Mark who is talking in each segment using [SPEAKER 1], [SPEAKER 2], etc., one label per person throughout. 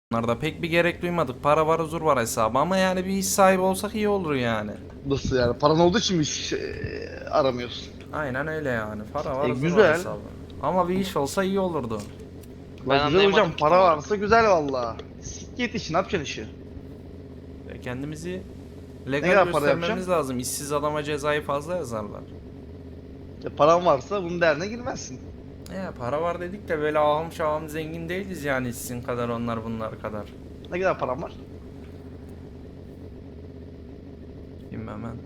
[SPEAKER 1] Bunlarda pek bir gerek duymadık. Para var, huzur var hesabı ama yani bir iş sahibi olsak iyi olur yani.
[SPEAKER 2] Nasıl yani? Paran olduğu için mi iş aramıyorsun?
[SPEAKER 1] Aynen öyle yani. Para var, huzur var
[SPEAKER 2] Güzel.
[SPEAKER 1] hesabı. Ama bir iş olsa iyi olurdu.
[SPEAKER 2] La
[SPEAKER 3] Ben
[SPEAKER 2] güzel hocam,
[SPEAKER 3] anlayamadım ki
[SPEAKER 2] para
[SPEAKER 3] tam
[SPEAKER 2] varsa güzel valla. Siklet işi, ne yapacaksın işi?
[SPEAKER 1] Kendimizi
[SPEAKER 2] Ne
[SPEAKER 1] legal
[SPEAKER 2] kadar para
[SPEAKER 1] göstermemiz
[SPEAKER 2] yapacaksın?
[SPEAKER 1] lazım. İşsiz adama cezayı fazla yazarlar.
[SPEAKER 2] Paran varsa bunun derdine girmezsin.
[SPEAKER 1] Para var dedik de böyle ahım şahım zengin değiliz yani sizin kadar onlar bunlar kadar.
[SPEAKER 2] Ne kadar paran var?
[SPEAKER 1] Bilmem ben.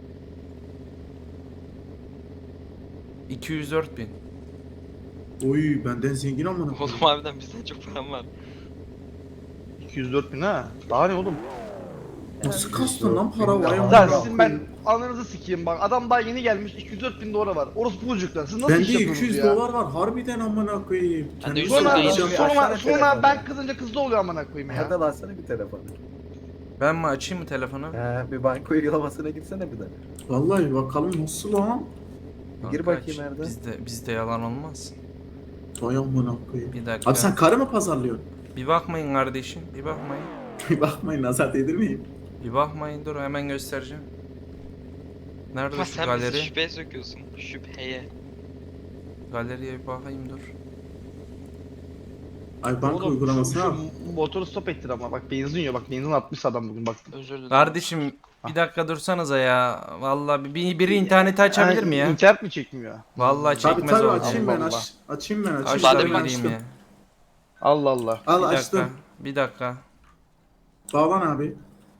[SPEAKER 1] 204 bin.
[SPEAKER 4] Oy benden zengin amına
[SPEAKER 3] Oğlum
[SPEAKER 4] koyayım.
[SPEAKER 3] harbiden bizden çok param var.
[SPEAKER 2] 204 bin ha. Daha ne oğlum?
[SPEAKER 4] Nasıl kastın lan para var ya?
[SPEAKER 2] Lan
[SPEAKER 4] amına
[SPEAKER 2] sizin ben
[SPEAKER 4] koyayım.
[SPEAKER 2] ananızı sikeyim bak. Adam daha yeni gelmiş, 204 bin dolara var. Orası bucuklar. Siz nasıl
[SPEAKER 4] Bende
[SPEAKER 2] iş yapıyorsunuz
[SPEAKER 4] 200
[SPEAKER 2] ya?
[SPEAKER 4] dolar var harbiden amına koyayım.
[SPEAKER 3] Ben de
[SPEAKER 4] Kendimi
[SPEAKER 3] 100
[SPEAKER 2] Sonra,
[SPEAKER 3] dolar
[SPEAKER 4] satacağım.
[SPEAKER 3] yeni-
[SPEAKER 2] sonra ben kızınca kızda oluyor amına koyayım ya.
[SPEAKER 5] Hadi alsana bir telefonu.
[SPEAKER 1] Ben mi açayım mı telefonu?
[SPEAKER 5] Bir banka uygulamasına gitsene bir de.
[SPEAKER 4] Vallahi bakalım nasıl lan?
[SPEAKER 5] Gir
[SPEAKER 1] Kanka,
[SPEAKER 5] bakayım Erdem.
[SPEAKER 1] Bizde yalan olmaz.
[SPEAKER 4] Vay amına koyayım.
[SPEAKER 1] Bir dakika.
[SPEAKER 4] Abi sen karı mı pazarlıyorsun?
[SPEAKER 1] Bir bakmayın kardeşim. Bir bakmayın.
[SPEAKER 4] Bir bakmayın nazar değdirmeyin.
[SPEAKER 1] Bir bakmayın dur hemen göstereceğim. Nerede
[SPEAKER 3] Ama
[SPEAKER 1] şu
[SPEAKER 3] sen bizi
[SPEAKER 1] galeri?
[SPEAKER 3] şüpheye sokuyorsun. Şüpheye.
[SPEAKER 1] Galeriye bir bakayım dur.
[SPEAKER 4] Ay banka
[SPEAKER 2] Oğlum,
[SPEAKER 4] uygulamasına al.
[SPEAKER 2] şu motoru stop ettir ama bak benzin yiyor, bak benzin atmış adam bugün bak.
[SPEAKER 3] Özür dilerim.
[SPEAKER 1] Kardeşim bir dakika dursanıza ya. Vallahi biri interneti açabilir mi ya?
[SPEAKER 2] İnternet mi çekmiyor?
[SPEAKER 1] Vallahi
[SPEAKER 4] Tabi
[SPEAKER 1] çekmez
[SPEAKER 4] tabi
[SPEAKER 1] o.
[SPEAKER 4] açayım ben
[SPEAKER 2] Allah.
[SPEAKER 4] açayım ben açayım.
[SPEAKER 1] Aç
[SPEAKER 3] Ben
[SPEAKER 1] da
[SPEAKER 3] de
[SPEAKER 1] bir
[SPEAKER 3] ben
[SPEAKER 1] gireyim
[SPEAKER 4] açtım.
[SPEAKER 1] ya.
[SPEAKER 2] Allah Allah.
[SPEAKER 4] Al
[SPEAKER 1] Bir dakika.
[SPEAKER 4] açtım.
[SPEAKER 1] Bir dakika.
[SPEAKER 4] Bağlan abi.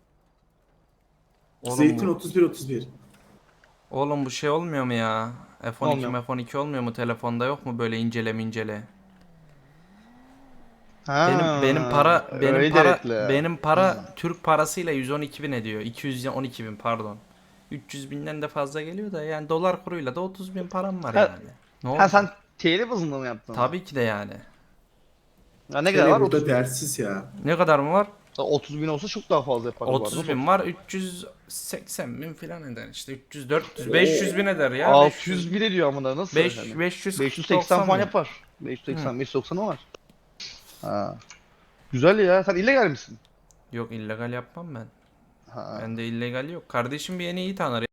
[SPEAKER 1] Oğlum
[SPEAKER 4] Zeytin
[SPEAKER 1] bu,
[SPEAKER 4] 31.
[SPEAKER 1] oğlum bu şey olmuyor mu ya? F12
[SPEAKER 2] Olmuyor.
[SPEAKER 1] F12 olmuyor mu telefonda yok mu böyle incele?
[SPEAKER 2] Ha,
[SPEAKER 1] Benim para Türk parasıyla 112 bin ediyor. 212 bin pardon. 300 binden de fazla geliyor da yani dolar kuruyla da 30 bin param var
[SPEAKER 2] Ha-
[SPEAKER 1] yani. Ne oldu?
[SPEAKER 2] Ha sen TL bazında mı yaptın?
[SPEAKER 1] Tabii ki de yani.
[SPEAKER 2] Ya ne kadar var?
[SPEAKER 4] Burada
[SPEAKER 2] 30 bin.
[SPEAKER 4] dersiz ya.
[SPEAKER 1] Ne kadar mı var?
[SPEAKER 2] 30 bin olsa çok daha fazla yapar.
[SPEAKER 1] 30 bin var 380 bin falan eder işte 300 400 500 bin eder ya.
[SPEAKER 2] 600 bin ediyor amına nasıl? 580 falan yapar. 580 590 var. Ha. Güzel ya. Sen illegal misin?
[SPEAKER 1] Yok illegal yapmam ben.
[SPEAKER 2] Ha.
[SPEAKER 1] Bende illegal yok. Kardeşim bir yeni iyi tanır.